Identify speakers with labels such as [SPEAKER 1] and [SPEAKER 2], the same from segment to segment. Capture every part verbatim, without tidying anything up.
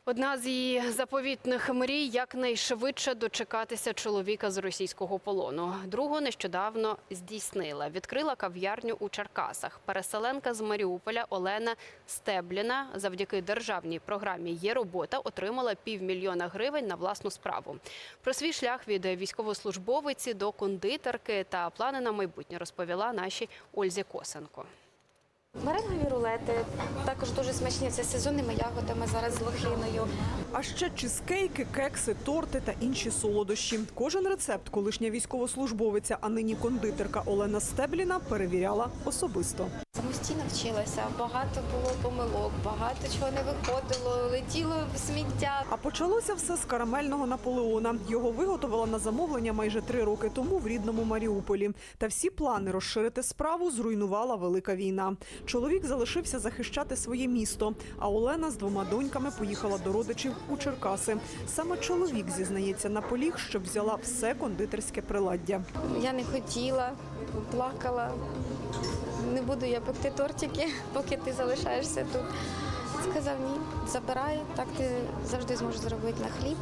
[SPEAKER 1] Одна з її заповітних мрій – якнайшвидше дочекатися чоловіка з російського полону. Другу нещодавно здійснила. Відкрила кав'ярню у Черкасах. Переселенка з Маріуполя Олена Стебліна завдяки державній програмі «Є робота» отримала півмільйона гривень на власну справу. Про свій шлях від військовослужбовиці до кондитерки та плани на майбутнє розповіла нашій Ользі Косенко.
[SPEAKER 2] Меренгові рулети, також дуже смачні, це з сезонними ягодами, зараз з лохиною.
[SPEAKER 3] А ще чизкейки, кекси, торти та інші солодощі. Кожен рецепт колишня військовослужбовиця, а нині кондитерка Олена Стебліна перевіряла особисто.
[SPEAKER 2] Самостійно вчилася, багато було помилок, багато чого не виходило, летіло в сміття.
[SPEAKER 3] А почалося все з карамельного Наполеона. Його виготовила на замовлення майже три роки тому в рідному Маріуполі. Та всі плани розширити справу зруйнувала велика війна. Чоловік залишився захищати своє місто, а Олена з двома доньками поїхала до родичів у Черкаси. Саме чоловік, зізнається, наполіг, щоб взяла все кондитерське приладдя.
[SPEAKER 2] Я не хотіла, плакала. Не буду я пекти тортики, поки ти залишаєшся тут. Сказав, ні, забирай, так ти завжди зможеш заробити на хліб.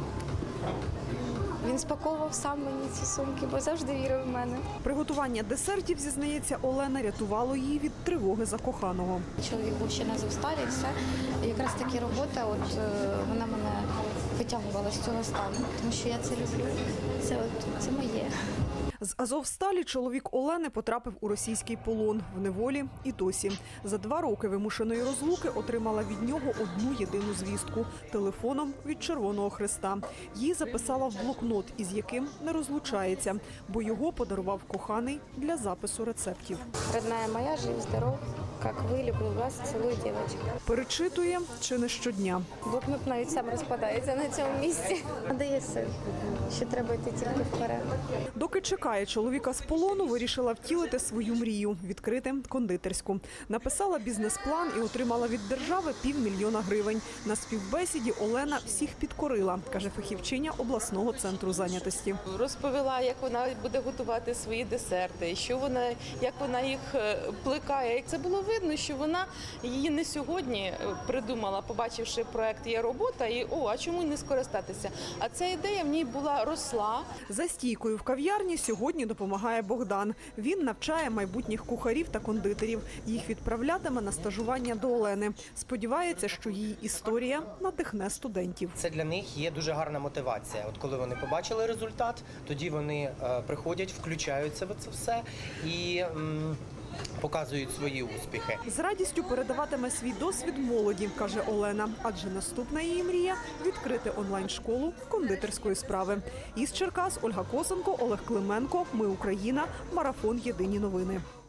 [SPEAKER 2] Він спаковував сам мені ці сумки, бо завжди вірив в мене.
[SPEAKER 3] Приготування десертів, зізнається Олена, рятувало її від тривоги за коханого.
[SPEAKER 2] Чоловік був ще на Азовсталі, і все. І якраз таки робота, от вона мене витягувала з цього стану, тому що я це люблю, це, от, це моє.
[SPEAKER 3] З Азовсталі чоловік Олени потрапив у російський полон в неволі і досі. За два роки вимушеної розлуки отримала від нього одну єдину звістку – телефоном від Червоного Хреста. Її записала в блокнот, із яким не розлучається, бо його подарував коханий для запису рецептів.
[SPEAKER 2] Родная моя, жив, здоров, як ви, люблю вас, цілую, дівчинка.
[SPEAKER 3] Перечитує чи не щодня.
[SPEAKER 2] Блокнот навіть сам розпадається на цьому місці. Дає сил, що треба йти тільки вперед.
[SPEAKER 3] Доки чекає чоловіка з полону, вирішила втілити свою мрію – відкрити кондитерську. Написала бізнес-план і отримала від держави півмільйона гривень. На співбесіді Олена всіх підкорила, каже фахівчиня обласного центру зайнятості.
[SPEAKER 4] Розповіла, як вона буде готувати свої десерти, що вона, як вона їх плекає. Як це було видно, що вона її не сьогодні придумала, побачивши проект «Є робота» і «О, а чому не скористатися?». А ця ідея в ній була, росла.
[SPEAKER 3] За стійкою в кав'ярні сьогодні допомагає Богдан. Він навчає майбутніх кухарів та кондитерів. Їх відправлятиме на стажування до Олени. Сподівається, що її історія надихне студентів.
[SPEAKER 5] Це для них є дуже гарна мотивація. От коли вони побачили результат, тоді вони е, приходять, включаються в це все і м, показують свої успіхи.
[SPEAKER 3] З радістю передаватиме свій досвід молоді, каже Олена. Адже наступна її мрія – відкрити онлайн-школу кондитерської справи. Із Черкас Ольга Косенко, Олег Клименко. Ми Україна. Марафон. Єдині новини.